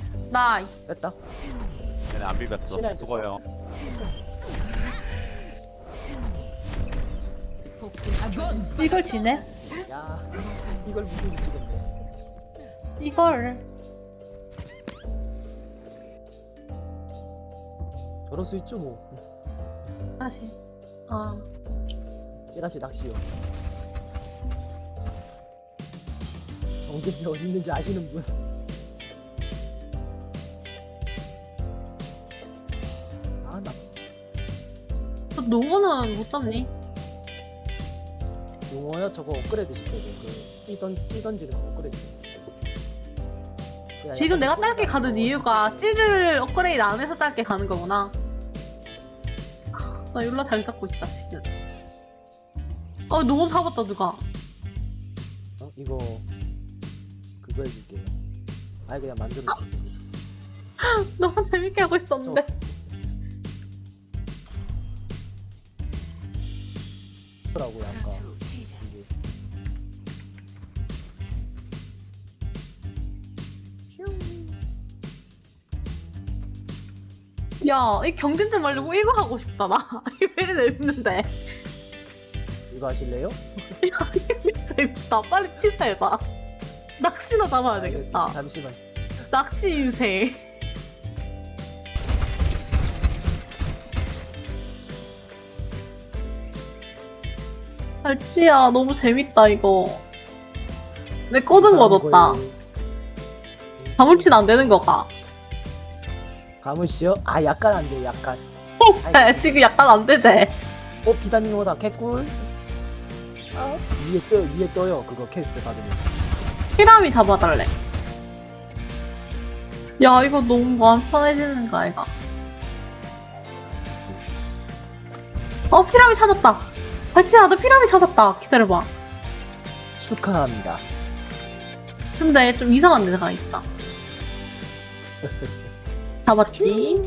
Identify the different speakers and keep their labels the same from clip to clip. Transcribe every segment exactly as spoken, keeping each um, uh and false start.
Speaker 1: 나
Speaker 2: 뺐다.
Speaker 3: 얘네 안 비볐어.
Speaker 2: 신의
Speaker 3: 수고해요.
Speaker 1: 이걸 지네?
Speaker 2: 야, 이걸 무슨 미치겠네.
Speaker 1: 이걸
Speaker 2: 저럴 수 있죠 뭐.
Speaker 1: 다시 아
Speaker 2: 찌라시 낚시요. 정대이 어디 있는지 아시는 분? 아, 나
Speaker 1: 너 농어는 못 잡니?
Speaker 2: 용어요? 저거 업그레이드 시켜야 돼. 그 찌던 찌던지는 거 업그레이드. 그냥
Speaker 1: 지금
Speaker 2: 약간
Speaker 1: 내가
Speaker 2: 소리가
Speaker 1: 짧게 가는
Speaker 2: 나서
Speaker 1: 이유가 찌를 업그레이드 안 해서 짧게 가는 거구나. 나 율라 잘 잡고 있다 지금. 아 농어 잡았다 누가.
Speaker 2: 어? 이거 그거 해줄게요. 아니 그냥 만들어 주세요.
Speaker 1: 너무 재밌게 하고 있었는데.
Speaker 2: 라고 아까 이게
Speaker 1: 야, 이 경진들 말고 이거 하고 싶다 나. 이거 왜 이리 재밌는데.
Speaker 2: 이거 하실래요?
Speaker 1: 야, 이거 재밌다. 빨리 취소해봐. 낚시나 잡아야 되겠다.
Speaker 2: 알겠습니다. 잠시만.
Speaker 1: 낚시 인생. 알치야, 너무 재밌다 이거. 내 꽂은 거 넣었다. 가물치는 안 되는 거가.
Speaker 2: 가물치요? 아 약간 안 돼. 약간.
Speaker 1: 네, 지금 약간 안 되지.
Speaker 2: 어 비단님 오다 개꿀. 아, 위에 떠 위에 떠요. 그거 캐스트 받으면.
Speaker 1: 피라미 잡아달래. 야, 이거 너무 마음 편해지는 거 아이가? 어, 피라미 찾았다. 알치야, 너 피라미 찾았다. 기다려봐.
Speaker 2: 축하합니다.
Speaker 1: 근데 좀 이상한 데가 있다. 잡았지?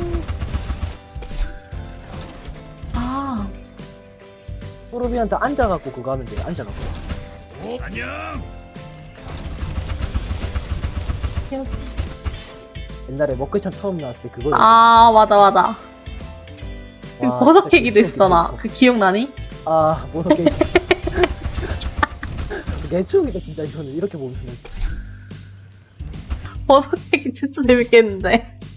Speaker 1: 아,
Speaker 2: 호르비한테 앉아갖고 그거 하면 돼. 앉아갖고.
Speaker 3: 오, 안녕.
Speaker 2: 옛날에 먹글참 처음 나왔을 때 그거.
Speaker 1: 아, 맞아, 맞아. 그
Speaker 2: 와,
Speaker 1: 버섯
Speaker 2: 진짜
Speaker 1: 캐기도
Speaker 2: 개추억이다,
Speaker 1: 있었잖아.
Speaker 2: 이거.
Speaker 1: 그 기억나니?
Speaker 2: 아 버섯 캐기. 내 추억이다 진짜 이거는 이렇게 보면은.
Speaker 1: 버섯 캐기 진짜 재밌겠는데.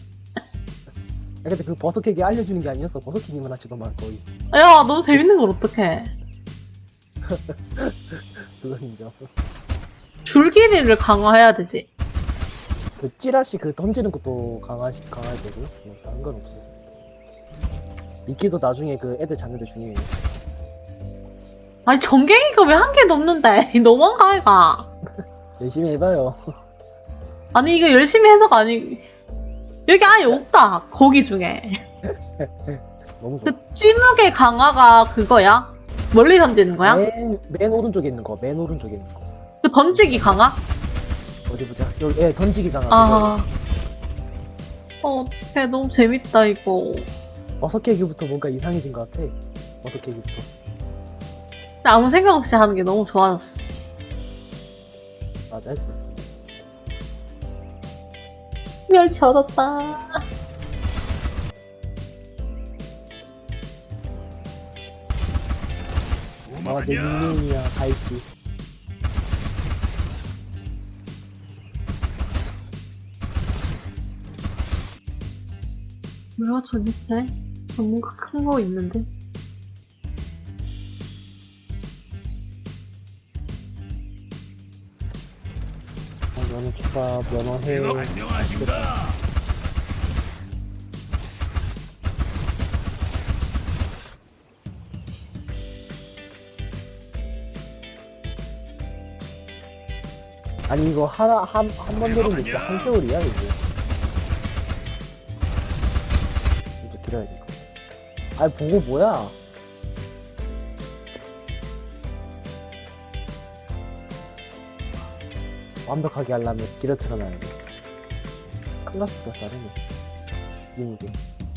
Speaker 2: 야, 근데 그 버섯 캐기 알려주는 게 아니었어. 버섯 캐기만 하지도만 거의.
Speaker 1: 야, 너무 재밌는 걸 어떡해.
Speaker 2: 그건 인정.
Speaker 1: 줄기리를 강화해야 되지.
Speaker 2: 그 찌라시 그 던지는 것도 강화 강화해야 되고 뭐 상관없어. 미끼도 나중에 그 애들 잡는 데 중요해.
Speaker 1: 아니, 전갱이가 왜 한 개도 없는데? 너무한 거 아이가?
Speaker 2: 열심히 해봐요.
Speaker 1: 아니, 이거 열심히 해서가 아니. 여기 아예 없다. 거기 중에.
Speaker 2: 너무 좋아.
Speaker 1: 그 찌무개 강화가 그거야? 멀리 던지는 거야?
Speaker 2: 맨, 맨 오른쪽에 있는 거. 맨 오른쪽에 있는 거.
Speaker 1: 그 던지기 강화?
Speaker 2: 어디 보자. 여기 예, 던지기 강화.
Speaker 1: 아. 어, 어떡해. 너무 재밌다, 이거.
Speaker 2: 버섯 캐기부터 뭔가 이상해진 것 같아. 버섯 캐기부터.
Speaker 1: 근데 아무 생각 없이 하는 게 너무 좋아졌어.
Speaker 2: 맞아.
Speaker 1: 멸치 얻었다.
Speaker 2: 아, 내 닉네임이야. 갈치.
Speaker 1: 뭐야, 저 밑에? 저 뭔가 큰 거 있는데?
Speaker 2: 아, 면허 추가, 면허 해.
Speaker 3: 안녕하십니까.
Speaker 2: 아니 이거 하나 한 한 번 들으면 진짜 한 세월이야 이게. 이제 길어야 돼. 아니 보고 뭐야? 완벽하게 하려면 길어 틀어놔야 돼. 클라스가 다르네. 이게.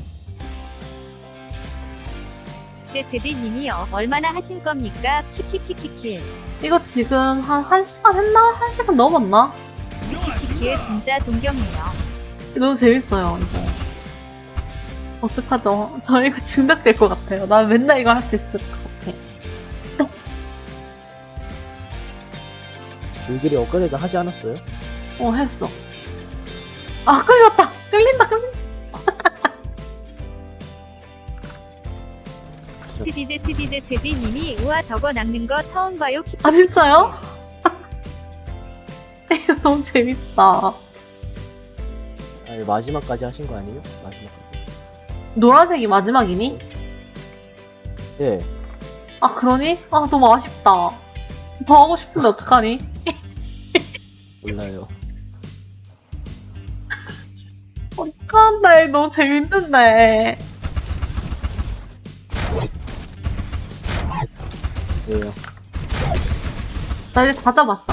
Speaker 4: 세테디님이 어, 얼마나 하신 겁니까? 키키키키킬.
Speaker 1: 이거 지금 한, 한 시간 했나? 한 시간 넘었나?
Speaker 4: 키키키키에 진짜 존경해요.
Speaker 1: 너무 재밌어요, 이거. 어떡하죠? 저 이거 중독될 것 같아요. 나 맨날 이거 할 수 있을 것 같아.
Speaker 2: 줄길이 업그레이드 하지 않았어요?
Speaker 1: 어, 했어. 아, 끌렸다! 끌린다, 끌린다!
Speaker 4: 트디드 트디드 트디님이 우와 저거 낚는 거 처음 봐요. 키키키키.
Speaker 1: 아, 진짜요? 이거 너무 재밌다.
Speaker 2: 아니 마지막까지 하신 거 아니에요? 마지막까지.
Speaker 1: 노란색이 마지막이니?
Speaker 2: 예.
Speaker 1: 아, 그러니? 아, 너무 아쉽다. 더 하고 싶은데 어떡하니?
Speaker 2: 몰라요.
Speaker 1: 어떡한데, 너무 재밌는데.
Speaker 2: 왜요?
Speaker 1: 나 이제 다 잡았어.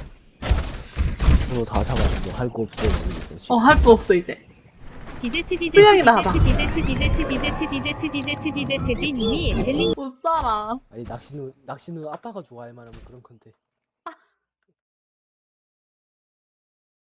Speaker 2: 저도 다 잡았어. 할 거 없어요. 모르겠어요, 지금.
Speaker 1: 어, 할 거 없어, 이제.
Speaker 4: 디드 트디드
Speaker 1: 수영이
Speaker 4: 트디드
Speaker 1: 나와봐.
Speaker 4: 트디드 트디드 트디드 트디드 트디드 트디드 트디님이 델링
Speaker 1: 못 살아.
Speaker 2: 아니 낚시는 낚시는 아빠가 좋아할 만한 그런 건데.